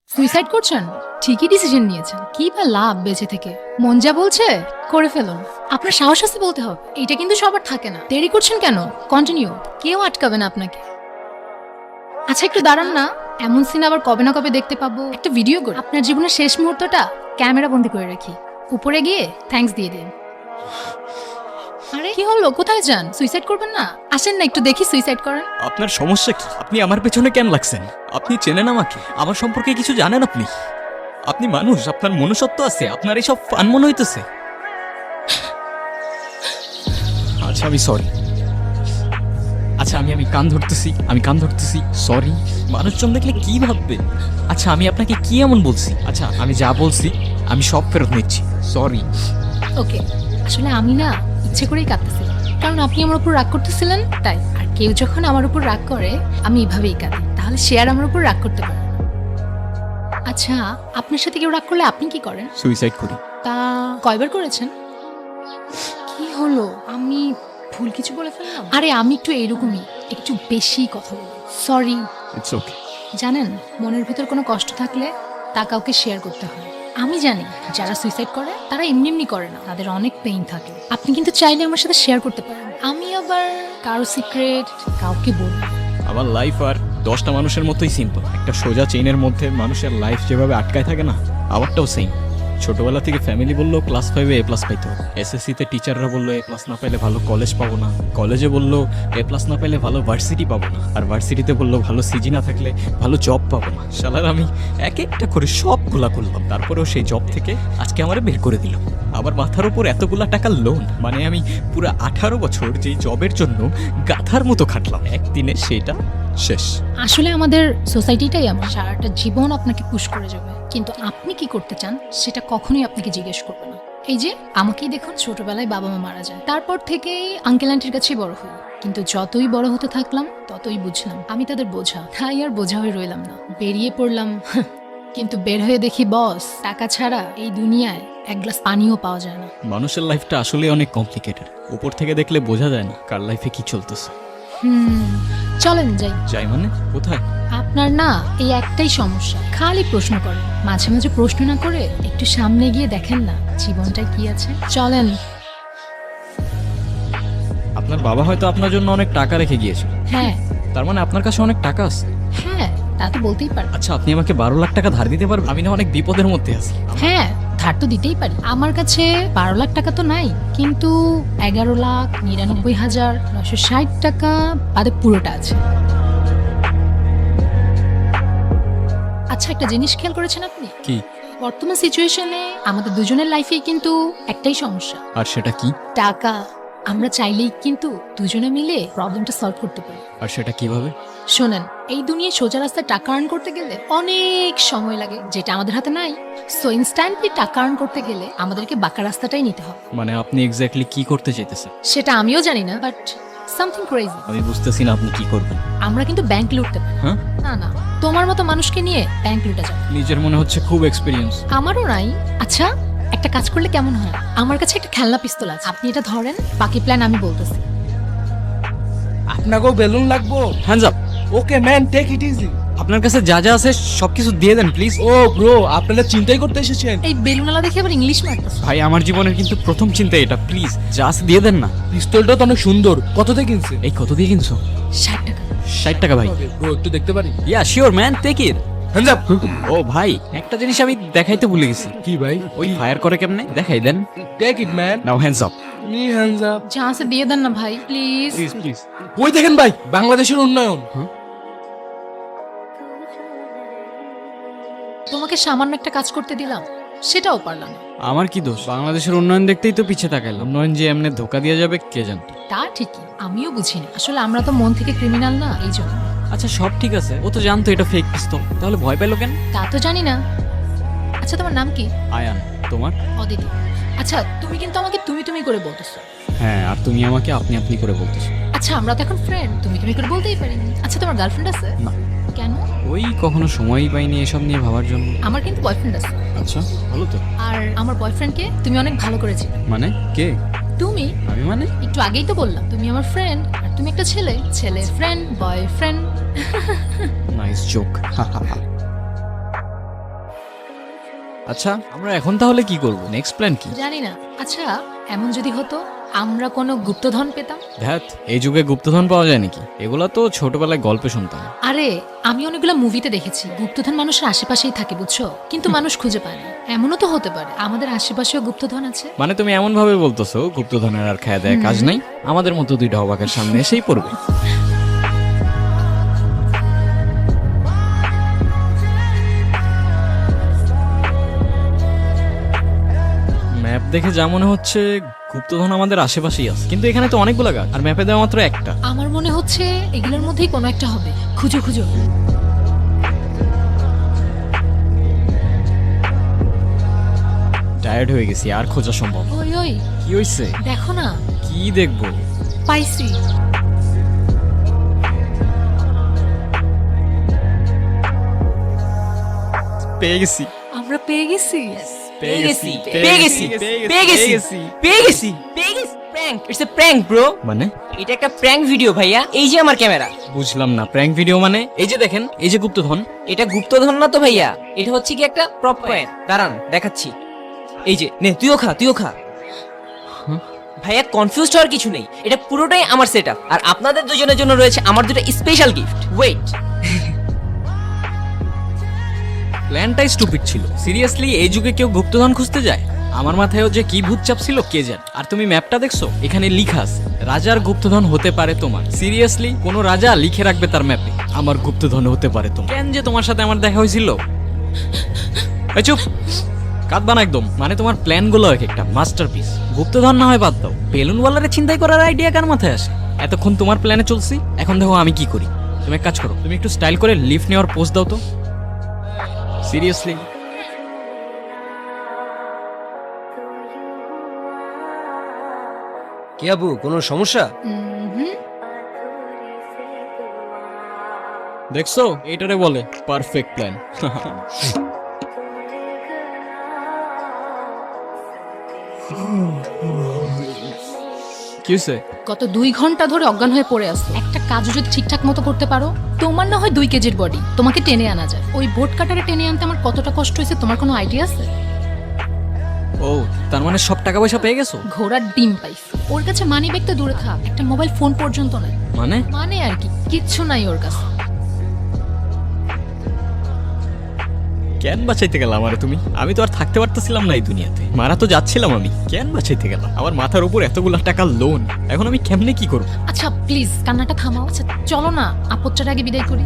Suicide করছেন? ঠিকই decision নিয়েছেন। কি বা লাভ বেঁচে থেকে? মন যা বলছে করে ফেলুন। আপনার সাহস আছে বলতে হবে, এটা কিন্তু সবার থাকে না। দেরি করছেন কেন? কন্টিনিউ, কেউ আটকাবে না আপনাকে। আচ্ছা একটু দাঁড়ান না, এমন সিন আবার কবে না কবে দেখতে পাবো। একটা ভিডিও করে আপনার জীবনের শেষ মুহূর্তটা ক্যামেরা বন্দি করে রাখি, উপরে গিয়ে থ্যাঙ্কস দিয়ে দিন। আরে কি হলো, কোথায় যান? সুইসাইড করবেন না? আসেন না একটু দেখি সুইসাইড করেন। আপনার সমস্যা কি? আপনি আমার পেছনে কেন লাগছেন? আপনি চেনেন আমাকে? আমার সম্পর্কে কিছু জানেন আপনি? আপনি মানুষ, আপনার মনুষ্যত্ব আছে, আপনার এইসব ফান মনে হইতেছে। আচ্ছা আমি সরি। আচ্ছা আমি কান ধরতেছি সরি। মানুষজন দেখলে কি ভাববে? আচ্ছা আমি আপনাকে কি এমন বলছি? আচ্ছা আমি যা বলছি আমি সব ফেরত নিচ্ছি, সরি। ওকে, আসলে আমি না ইচ্ছে করেই কাঁদতেছিলাম, কারণ আপনি আমার উপর রাগ করতেছিলেন তাই। আর কেউ যখন আমার উপর রাগ করে আমি এভাবেই কাঁদি, তাহলে সে আর আমার উপর রাগ করতে পারে না। আচ্ছা, আপনার সাথে কেউ রাগ করলে আপনি কি করেন? সুইসাইড করি। তা কয়বার করেছেন? কি হলো, আমি ভুল কিছু বলে ফেললাম? আরে আমি একটু এরকমই, একটু বেশি কথা বলি, সরি। It's okay. জানেন, মনের ভিতর কোনো কষ্ট থাকলে তা কাউকে শেয়ার করতে হয়। আমি জানি যারা সুইসাইড করে তারা এমনি এমনি করে না, তাদের অনেক পেইন থাকে। আপনি কিন্তু চাইলে আমার সাথে শেয়ার করতে পারেন। আমি আবার কারো সিক্রেট কাউকে বলি না। আমার লাইফ আর 10টা মানুষের মতোই সিম্পল। একটা সোজা চেইনের মধ্যে মানুষের লাইফ যেভাবে আটকায় থাকে না, আমারটাও সেম। ছোটবেলা থেকে ফ্যামিলি বললো ক্লাস 5-এ A+ পাইতে হবে, এসএসসিতে টিচাররা বললো A+ না পাইলে ভালো কলেজ পাবো না, কলেজে বললো A+ না পাইলে ভালো ভার্সিটি পাবো না, আর ভার্সিটিতে বললো ভালো সিজি না থাকলে ভালো জব পাবো না। শালার আমি এক একটা করে সবগুলা করলাম, তারপরেও সেই জব থেকে আজকে আমারে বের করে দিল। আবার মাথার উপর এতগুলা টাকার লোন, মানে আমি পুরো 18 বছর যেই জবের জন্য গাধার মতো খাটলাম, একদিনে সেটা শেষ। আসলে আমাদের সোসাইটিটাই আমার সারাটা জীবন আপনাকে পুশ করে যাবে, কিন্তু আপনি কি করতে চান সেটা কখনোই আপনাকে জিজ্ঞেস করবে না। এই যে আমাকেই দেখুন, ছোটবেলায় বাবা মা মারা যায়, তারপর থেকেই আঙ্কেল আন্টির কাছেই বড় হই। কিন্তু যতই বড় হতে থাকলাম ততই বুঝলাম আমি তাদের বোঝা, তাই আর বোঝা হয়ে রইলাম না, বেরিয়ে পড়লাম। কিন্তু বের হয়ে দেখি বস, টাকা ছাড়া এই দুনিয়ায় এক গ্লাস পানিও পাওয়া যায় না। মানুষের লাইফটা আসলে অনেক কমপ্লিকেটেড, উপর থেকে দেখলে বোঝা যায় না কার লাইফে কি চলতেছে। চলেন যাই। যাই মানে কোথায়? আপনার না এই একটাই সমস্যা, খালি প্রশ্ন করেন, মাঝে মাঝে প্রশ্ন না করে একটু সামনে গিয়ে দেখেন না জীবনটা কি আছে। চলেন। আপনার বাবা হয়তো আপনার জন্য অনেক টাকা রেখে গিয়েছিল, হ্যাঁ তার মানে আপনার কাছে অনেক টাকা আছে। হ্যাঁ, তা তো বলতেই পারেন। আচ্ছা আপনি আমাকে 12 লাখ টাকা ধার দিতে পারবেন? আমি না অনেক বিপদের মধ্যে আছি। হ্যাঁ, ধার তো দিতেই পারি। আমার কাছে 12 লাখ টাকা তো নাই, কিন্তু 11,99,960 টাকা বাদে পুরোটা আছে। আচ্ছা একটা জিনিস খেয়াল করেছেন আপনি? কি? বর্তমান সিচুয়েশনে আমাদের দুজনের লাইফেই কিন্তু একটাই সমস্যা, আর সেটা কি? টাকা। আমরা চাইলেই কিন্তু দুজনে মিলে প্রবলেমটা সলভ করতে পারি। আর সেটা কিভাবে? শোনেন, এই দুনিয়ায় সোজা রাস্তায় টাকা আর্ন করতে গেলে অনেক সময় লাগে, যেটা আমাদের হাতে নাই। সো ইনস্ট্যান্টলি টাকা আর্ন করতে গেলে আমাদেরকে বাঁকা রাস্তাটাই নিতে হবে। মানে আপনি এক্স্যাক্টলি কি করতে চাইতেছেন? সেটা আমিও জানি না, বাট সামথিং ক্রেজি। আমি বুঝতেছি না আপনি কি করবেন। আমরা কিন্তু ব্যাংক লুটতে পারি। হ্যাঁ? না না, তোমার মতো মানুষকে নিয়ে ব্যাংক লুটা যাবে। নিজের মনে হচ্ছে খুব এক্সপিরিয়েন্স। আমারও নাই। আচ্ছা একটা কাজ করলে কেমন হয়? আমার কাছে একটা খেলনা পিস্তল আছে, আপনি এটা ধরেন, বাকি প্ল্যান আমি বলতেছি। আপনাকেও বেলুন লাগবো? Hands up. Okay man, take it easy. আপনার কাছে যা যা আছে সবকিছু দিয়ে দেন প্লিজ। ও ব্রো, আপনারা চিন্তাই করতে এসেছেন? এই বেলুনালা দেখে আবার ইংলিশ মারতেছে। ভাই আমার জীবনের কিন্তু প্রথম চিন্তা এটা, প্লিজ যা আছে দিয়ে দেন না। পিস্তলটা তো অনেক সুন্দর, কত থেকে কিনছে? এই কত দিয়ে কিনছো? 60 টাকা। 60 টাকা ভাই? ব্রো একটু দেখতে পারি? Yeah sure man, take it. Hands up. ও ভাই একটা জিনিস আমি দেখাইতে ভুলে গেছি। কি ভাই? ওই ফায়ার করে কেমনে দেখাই দেন। Take it man. Now hands up. Me hands up. যা আছে দিয়ে দেন না ভাই, প্লিজ। Please please. ওই দেখেন ভাই, বাংলাদেশের উন্নয়ন। তোমাকে সামান্য একটা কাজ করতে দিলাম, সেটাও পারলাম না। আমার কি দোষ? বাংলাদেশের উন্নয়ন দেখতেই তো পিছে তাকাইলাম। উন্নয়ন যে এমনি ধোকা দিয়ে যাবে কে জানতো। তা ঠিকই, আমিও বুঝি না, আসলে আমরা তো মন থেকে ক্রিমিনাল না, এই জন্য। আচ্ছা সব ঠিক আছে, ও তো জানতো এটা ফেক পিস্তল, তাহলে ভয় পেলো কেন? তা তো জানি না। আচ্ছা তোমার নাম কি? আয়ান। তোমার? অদিতি। আচ্ছা তুমি কিন্তু আমাকে তুমি তুমি করে বলতেছো। হ্যাঁ, আর তুমি আমাকে আপনি আপনি করে বলতেছো। আচ্ছা আমরা তো এখন ফ্রেন্ড, তুমি তুমি করে বলতেই পারি। আচ্ছা তোমার গার্লফ্রেন্ড আছে? না। কেন? ওই কখনো সময়ই পাইনি এসব নিয়ে ভাবার জন্য। আমার কিন্তু বয়ফ্রেন্ড আছে। আচ্ছা ভালো তো। আর আমার বয়ফ্রেন্ডকে তুমি অনেক ভালো করেছিলে। মানে কে? তুমি আমি মানে? একটু আগেই তো বললাম তুমি আমার ফ্রেন্ড, আর তুমি একটা ছেলে, ছেলে ফ্রেন্ড, বয়ফ্রেন্ড। Nice joke. আচ্ছা আমরা এখন তাহলে কি করব, নেক্সট প্ল্যান কি? জানি না। আচ্ছা, এমন যদি হতো আমরা কোনো গুপ্তধন পেতাম। ধ্যাত, এই যুগে গুপ্তধন পাওয়া যায় নাকি? এগুলা তো ছোটবেলায় গল্পে শুনতাম। আরে আমি অনেকগুলো মুভিতে দেখেছি গুপ্তধন মানুষের আশেপাশেই থাকে, বুঝছো, কিন্তু মানুষ খুঁজে পায় না। এমনও তো হতে পারে আমাদের আশেপাশেও গুপ্তধন আছে। মানে তুমি এমন ভাবে বলতেছো গুপ্তধনের আর খায়া দেয় কাজ নাই, আমাদের মতো দুইটা অবাকের সামনে এসেই পড়বে। ম্যাপ দেখে যা মনে হচ্ছে গুপ্তধন আমাদের আশেপাশেই আছে, কিন্তু এখানে তো অনেকগুলো গাছ আর ম্যাপে দেওয়া মাত্র একটা। আমার মনে হচ্ছে এগুলোর মধ্যেই কোনো একটা হবে। খুঁজো খুঁজো। টায়ার্ড হয়ে গেছি, আর খোঁজা সম্ভব। ওই ওই কি হইছে? দেখো না, কি দেখবো? পাইছি। পেয়ে গেছি। আমরা পেয়ে গেছি। It's a prank bro. মানে এটা একটা প্র্যাঙ্ক ভিডিও ভাইয়া। এই যে আমার ক্যামেরা। বুঝলাম না, প্র্যাঙ্ক ভিডিও মানে? এই যে দেখেন, এই যে গুপ্তধন। এটা গুপ্তধন না তো ভাইয়া, এটা হচ্ছে কি একটা প্রপ কয়েন। দাঁড়ান দেখাচ্ছি। এই যে নে, তুইও খা তুইও খা। ভাইয়া কনফিউজড হওয়ার কিছু নেই, এটা পুরোটাই আমার সেটআপ আর আপনাদের দুজনের জন্য রয়েছে আমার দুটো স্পেশাল গিফট। ওয়েট, প্ল্যানটাই স্টুপিড ছিল। সিরিয়াসলি এই যুগে কেউ গুপ্তধন খুঁজতে যায়? আমার মাথায়ও যে কি ভূত চাপ ছিল কে জানে। আর তুমি ম্যাপটা দেখছো, এখানে লিখা আছে রাজার গুপ্তধন হতে পারে তোমার। সিরিয়াসলি কোন রাজা লিখে রাখবে তার ম্যাপে আমার গুপ্তধন হতে পারে তোমার? কেন যে তোমার সাথে আমার দেখা হয়েছিল? এই চুপ, কাঁদবা না একদম। মানে তোমার প্ল্যান গুলো এক একটা মাস্টারপিস। গুপ্তধন না হয় বাদ দাও, বেলুন ওয়ালারে চিন্তাই করার আইডিয়া কার মাথায় আসে? এতক্ষণ তোমার প্ল্যানে চলছি, এখন দেখো আমি কি করি। তুমি এক কাজ করো, তুমি একটু স্টাইল করে লিফট নেওয়ার পোস্ট দাও তো। সিরিয়াসলি কি আবু, কোনো সমস্যা? দেখছো, এটারে বলে পারফেক্ট প্ল্যান। কি হয়েছে? গত 2 ঘন্টা ধরে অজ্ঞান হয়ে পড়ে আছে। একটা কাজও যদি ঠিকঠাক মতো করতে পারো, তোমার না হয় 2 কেজির বডি, তোমাকে টেনে আনা যায়। ওই বোট কাটারে টেনে আনতে আমার কতটা কষ্ট হয়েছে তোমার কোনো আইডিয়া আছে? ও, তার মানে সব টাকা পয়সা পেয়ে গেছো? ঘোড়ার ডিম পাইছি। ওর কাছে মানি ব্যাগ তো দূরে থাক, একটা মোবাইল ফোন পর্যন্ত নাই। মানে মানে আর কি, কিচ্ছু নাই ওর কাছে। কেন বাঁচাইতে গেলাম আরে তুমি? আমি তো আর থাকতে পারতেছিলাম না এই দুনিয়াতে, মারা তো যাচ্ছিলাম আমি। কেন বাঁচাইতে গেলাম? আমার মাথার উপর এতগুলা টাকা লোন, এখন আমি কেমনে কি করব? আচ্ছা প্লিজ কান্নাটা থামাও। আচ্ছা চলো না, আপত্তির আগে বিদায় করি।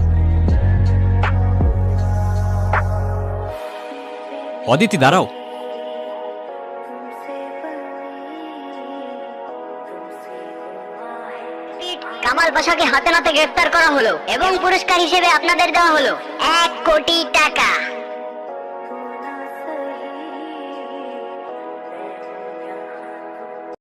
অদিতি দাঁড়াও। কামাল পাশাকে হাতে নাতে গ্রেফতার করা হলো এবং পুরস্কার হিসেবে আপনাদের দেওয়া হলো 1 কোটি টাকা।